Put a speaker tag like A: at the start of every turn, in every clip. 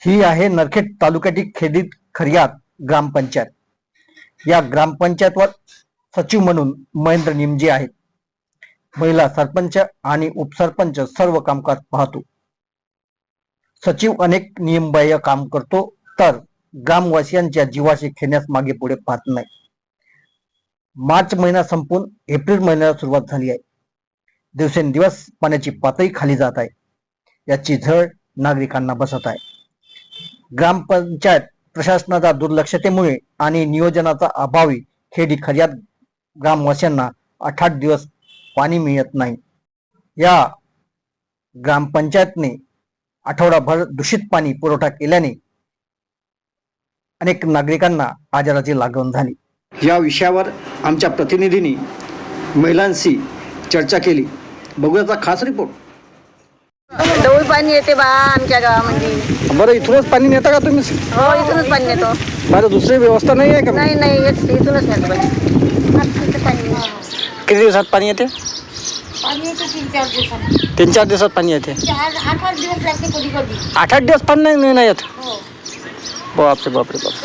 A: ही आहे नरखेड तालुक्यातील खेडीत खरियात ग्रामपंचायत. या ग्रामपंचायतवर सचिव म्हणून महेंद्र निमजे आहेत. महिला सरपंच आणि उपसरपंच सर्व कामकाज पाहतो. सचिव अनेक नियमबाह्य काम करतो, तर ग्रामवासियांच्या जीवाशी खेळण्यास मागे पुढे पाहत नाही. मार्च महिना संपून एप्रिल महिन्याला सुरुवात झाली आहे. दिवसेंदिवस पाण्याची पातळी खाली जात आहे. याची झळ नागरिकांना बसत आहे. ग्रामपंचायत प्रशासनाच्या दुर्लक्षतेमुळे आणि नियोजनाचा अभावी खेडी खरियात ग्रामवासियांना 8 दिवस पाणी मिळत नाही. या ग्रामपंचायतने आठवडाभर दूषित पाणी पुरवठा केल्याने अनेक नागरिकांना आजाराची लागण झाली.
B: या विषयावर आमच्या प्रतिनिधींनी महिलांशी चर्चा केली. बघूयाचा खास रिपोर्ट.
C: डोळ पाणी येते बा आमच्या गावामध्ये.
B: बरं, इथूनच पाणी नेता का तुम्ही?
C: हो, इथूनच पाणी येतो.
B: बरं, दुसरी व्यवस्था नाही आहे का?
C: नाही नाही, इथूनच नेतो पाणी.
B: किती दिवसात पाणी येते?
C: पाणी येते 3-4 दिवसांनी.
B: 3-4 दिवसात पाणी येते.
C: 8 दिवस लागते कधी कधी.
B: 8 दिवस पाणी नाही येत.
C: हो.
B: बापरे बापरे बापरे.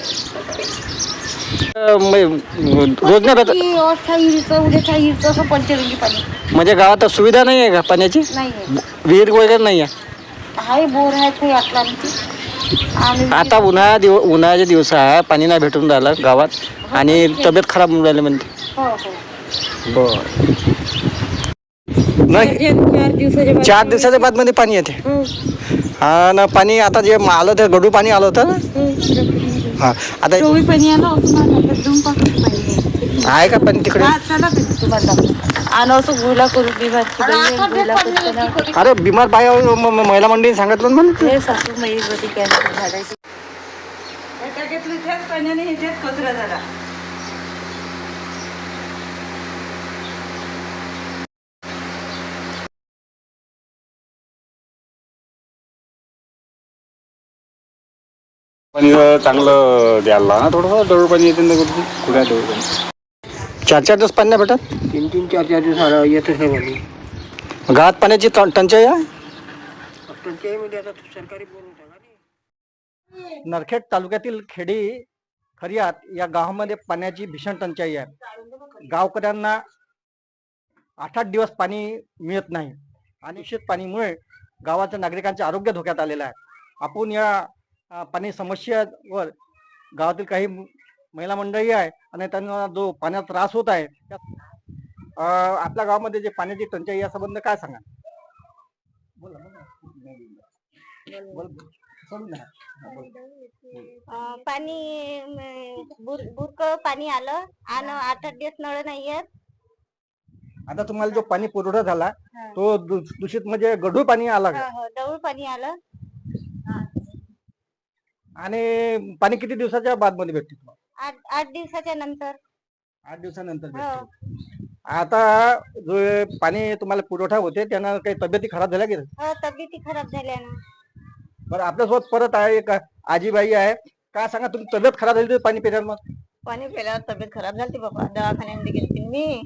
B: रोज नाही भेटत
C: उद्याच्या हिरचं असं पंचरंगी पाणी.
B: म्हणजे गावात सुविधा नाही आहे का पाण्याची?
C: नाही
B: विहीर वगैरे नाही आहे?
C: आहे, बोर आहे काही आटला आमची.
B: आता उन्हाळ्याचे दिवस आहे, पाणी नाही भेटून राहिलं गावात आणि तब्येत खराब होऊन राहिली म्हणते.
C: हो हो.
B: बर, नाही 4 दिवसाच्या बाद मध्ये पाणी येते. हा ना, पाणी आता जे आलं ते गडू पाणी आलं होतं ना. हा, आता
C: पाणी आलं
B: आहे का पाणी तिकडे? अरे बिमार बाया महिला मंडळी सांगितलं म्हणून
C: कचरा झाला.
D: पाणी चांगलं द्यायला ना, थोडंसं दळू पाणी येते ना. कुठे दळू पाणी
B: 4-4 दिवस पाणी नाही भेटत.
E: 3-4 दिवस येतच नाही पाणी.
B: गावात पाण्याची टंचाई आहे.
E: पंचायतीमध्ये आता सरकारी बोलून टाका.
A: नरखेड तालुक्यातील खेडी खरियात या गावामध्ये पाण्याची भीषण टंचाई आहे. गावकऱ्यांना 8-8 दिवस पाणी मिळत नाही आणि दूषित पाणीमुळे गावाच्या नागरिकांचे आरोग्य धोक्यात आलेलं आहे. आपण या पाणी समस्येवर गावातील काही महिला मंडळी आहे आणि त्यांना जो पाण्याचा त्रास होत आहे, आपल्या गावामध्ये जे पाण्याची टंचाई या संबंध काय सांगा?
F: पाणी बुरक पाणी आलं आणि 8 दिवस नळ नाही येत.
A: आता तुम्हाला जो पाणी पुरवठा झाला तो दूषित म्हणजे गढूळ पाणी आला का?
F: डवळ पाणी आलं.
A: आणि पाणी किती दिवसाच्या बाद मध्ये भेटते तुम्हाला?
F: 8 दिवसाच्या नंतर.
A: 8 दिवसानंतर भेटते. आता जो पाणी तुम्हाला पुरवठा होते त्यांना काही तब्येती खराब झाल्या की?
F: हो, तब्येती खराब झाल्या ना.
A: बरं, आपल्यासोबत परत आहे एक आजीबाई आहे. काय सांगा, तुमची तब्येत खराब झाली तर पाणी पिल्यावर? मग
C: पाणी प्यायल्यावर तब्येत खराब झाली बाबा. दवाखान्यामध्ये गेली मी.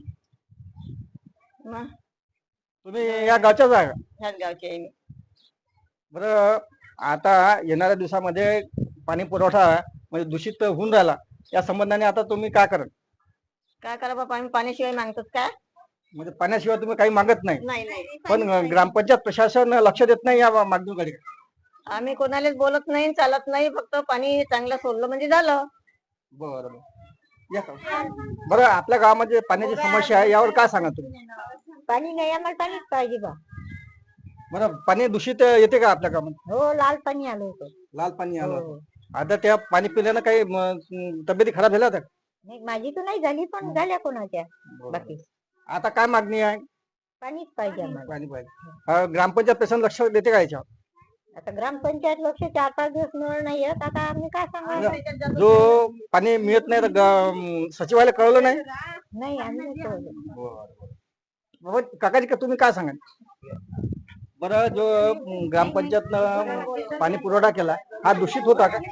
A: तुम्ही या गावच्याच आहे?
C: ह्याच गावची आहे मी.
A: बरं, आता येणाऱ्या दिवसामध्ये पाणी पुरवठा म्हणजे दूषित होऊन राहिला, या संबंधाने आता तुम्ही काय कराल?
C: काय करा बाबा, आम्ही पाण्याशिवाय मागतात का?
A: म्हणजे पाण्याशिवाय तुम्ही काही मागत नाही,
C: नाही नाही.
A: पण ग्रामपंचायत प्रशासन लक्ष देत नाही या मागणीकडे?
C: आम्ही कोणालाच बोलत नाही, चालत नाही. फक्त पाणी चांगलं सोडलं म्हणजे झालं.
A: बरं बरं, आपल्या गावामध्ये पाण्याची समस्या आहे, यावर काय सांगा तुम्ही?
F: पाणी नाही, आम्हाला पाणीच पाहिजे बा.
A: बरं, पाणी दूषित येते का आपल्या गावामध्ये?
F: हो, लाल पाणी आलं होतं.
A: लाल पाणी आलं होतं. आता त्या पाणी पिल्यानं काही तब्येती खराब झाल्या होत्या?
F: नाही, माझी तर नाही झाली, पण झाल्या कोणाच्या. बाकी
A: आता काय मागणी आहे?
F: पाणीच पाहिजे आम्हाला.
A: पाणी पाहिजे. ग्रामपंचायत प्रशासन लक्ष देते का याच्यावर?
F: आता ग्रामपंचायत लक्ष 4-5 दिवस नळ नाही येत. आता आम्ही काय सांगा.
A: जो पाणी मिळत नाही तर सचिवालय कळवलं नाही?
F: नाही, आम्ही नाही कळवलं.
A: बाबा काकाजी, का तुम्ही काय सांगा? बरं, जो ग्रामपंचायतनं पाणी पुरवठा केला हा दूषित होता का?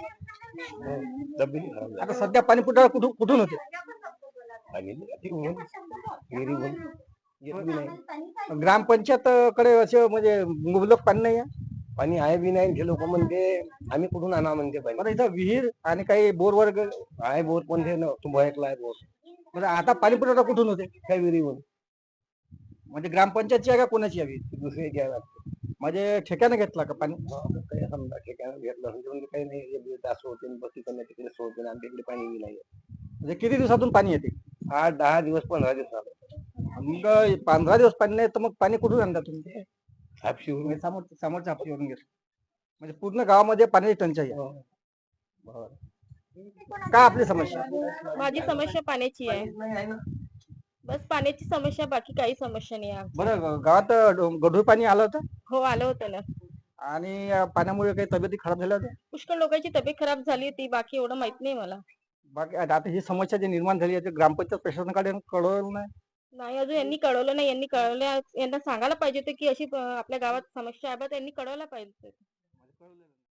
A: आता सध्या पाणी पुरवठा कुठून होते? ग्रामपंचायत कडे असे म्हणजे मुबलक पाणी नाही आहे?
E: पाणी आहे बी नाही हे लोक म्हणते आम्ही कुठून आणा म्हणते पाणी.
A: बरं इथं विहीर आणि काही बोर वर्ग
E: आहे बोर पण हे तुम्ही ऐकला आहे बोर
A: म्हणजे आता पाणी पुरवठा कुठून होते
E: काही विहिरीवर
A: म्हणजे ग्रामपंचायतची आहे का कोणाची आहे विहीर?
E: दुसरी घ्यायला लागते.
A: म्हणजे ठेक्याने घेतला का पाणी?
E: काही समजा ठिकाण घेतलं म्हणजे काही नाही तास होते बस तिकडे तिकडे सोडते आमच्याकडे पाणी बी नाही.
A: म्हणजे किती दिवसातून पाणी येते?
E: 8-10 दिवस 15 दिवस
A: मग 15 दिवस पाणी नाही तर मग पाणी कुठून आणता तुम्ही?
E: हापशी
A: समोरच्या हापशीवरून घेतलं म्हणजे पूर्ण गावामध्ये पाण्याची टंचाई आहे. काय आपली समस्या?
G: माझी समस्या पाण्याची आहे. बस पाण्याची समस्या, बाकी काही समस्या नाही आहे.
A: बरं गावात गढूळ पाणी आलं होतं
G: हो आलं होतं ना.
A: आणि पाण्यामुळे काही तब्येती खराब झाल्या होत्या.
G: पुष्कळ लोकांची तब्येत खराब झाली होती, बाकी एवढं माहित नाही मला.
A: बाकी आता ही समस्या जी निर्माण झाली आहे ते ग्रामपंचायत प्रशासनाकडे कळवलं नाही.
G: नाही अजून यांनी कळवलं नाही. यांना सांगायला पाहिजे होतं की अशी आपल्या गावात समस्या आहे बा, त्यांनी कळवलं पाहिजे.